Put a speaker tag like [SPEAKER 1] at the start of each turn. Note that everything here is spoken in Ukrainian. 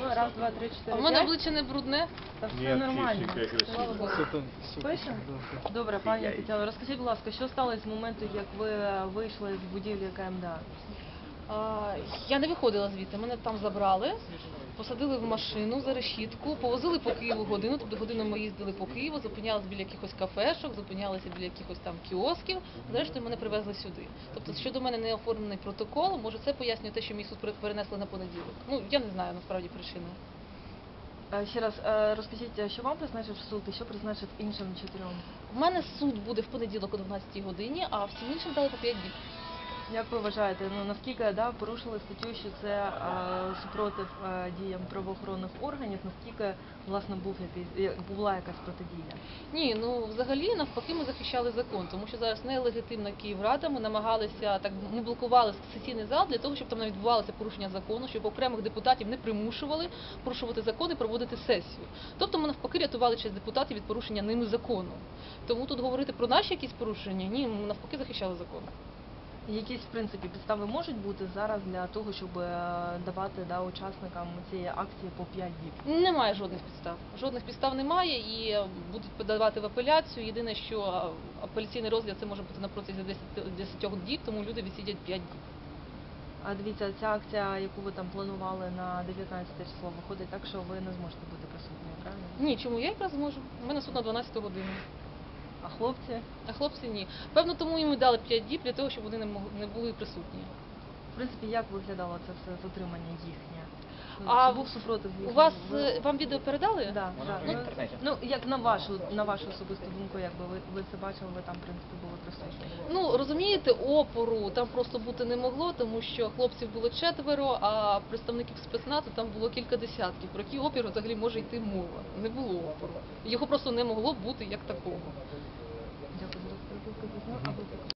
[SPEAKER 1] Раз, два, три,
[SPEAKER 2] А
[SPEAKER 1] чотири,
[SPEAKER 2] в мене
[SPEAKER 1] п'ять.
[SPEAKER 2] обличчя не брудне?
[SPEAKER 1] Та все
[SPEAKER 3] Ні,
[SPEAKER 1] нормально.
[SPEAKER 3] чистенько,
[SPEAKER 1] Слава Богу. Пишемо? Добре, пані Тетяно, розкажіть, будь ласка, що сталося з моменту, як ви вийшли з будівлі КМДА?
[SPEAKER 2] Я не виходила звідти, мене там забрали, посадили в машину за решітку, повозили по Києву годину, тобто годину ми їздили по Києву, зупинялися біля якихось кафешок, зупинялися біля якихось там кіосків, зрештою мене привезли сюди. Тобто щодо мене не оформлений протокол, може це пояснює те, що мій суд перенесли на понеділок. Ну, я не знаю насправді причини.
[SPEAKER 1] Ще раз, розкажіть, що вам призначив суд і що призначив іншим 4?
[SPEAKER 2] У мене суд буде в понеділок о 12 годині, а всім іншим дали по 5 днів.
[SPEAKER 1] Як ви вважаєте, наскільки порушили статтю, що це супротив діям правоохоронних органів, наскільки, власне, була якась протидія?
[SPEAKER 2] Ні, взагалі навпаки ми захищали закон, тому що зараз нелегітимна Київрада, ми намагалися, ми блокували сесійний зал для того, щоб там не відбувалося порушення закону, щоб окремих депутатів не примушували порушувати закон і проводити сесію. Тобто ми навпаки рятували честь депутатів від порушення ними закону. Тому тут говорити про наші якісь порушення, ні, ми навпаки захищали закон.
[SPEAKER 1] Якісь, в принципі, підстави можуть бути зараз для того, щоб давати учасникам цієї акції по 5 діб?
[SPEAKER 2] Немає жодних підстав. Жодних підстав немає і будуть подавати в апеляцію. Єдине, що апеляційний розгляд це може бути на протязі 10 діб, тому люди відсидять 5 діб.
[SPEAKER 1] А дивіться, ця акція, яку ви там планували на 19 число, виходить так, що ви не зможете бути присутніми, правильно?
[SPEAKER 2] Ні, чому? Я якраз зможу. У мене суд на 12 годину.
[SPEAKER 1] А хлопці?
[SPEAKER 2] А хлопці ні. Певно, тому їм і дали 5 діб для того, щоб вони не були присутні.
[SPEAKER 1] В принципі, як виглядало це все затримання їхнє?
[SPEAKER 2] А
[SPEAKER 1] Чи був супротив
[SPEAKER 2] у
[SPEAKER 1] їхнього?
[SPEAKER 2] вам відео передали?
[SPEAKER 1] Да. Як на вашу особисту думку, якби ви це бачили, ви там, в принципі, були присутні?
[SPEAKER 2] Розумієте, опору там просто бути не могло, тому що хлопців було 4, а представників спецназу там було кілька десятків. Про який опір взагалі може йти мова? Не було опору. Його просто не могло бути як такого.
[SPEAKER 1] Дякую за розповідь.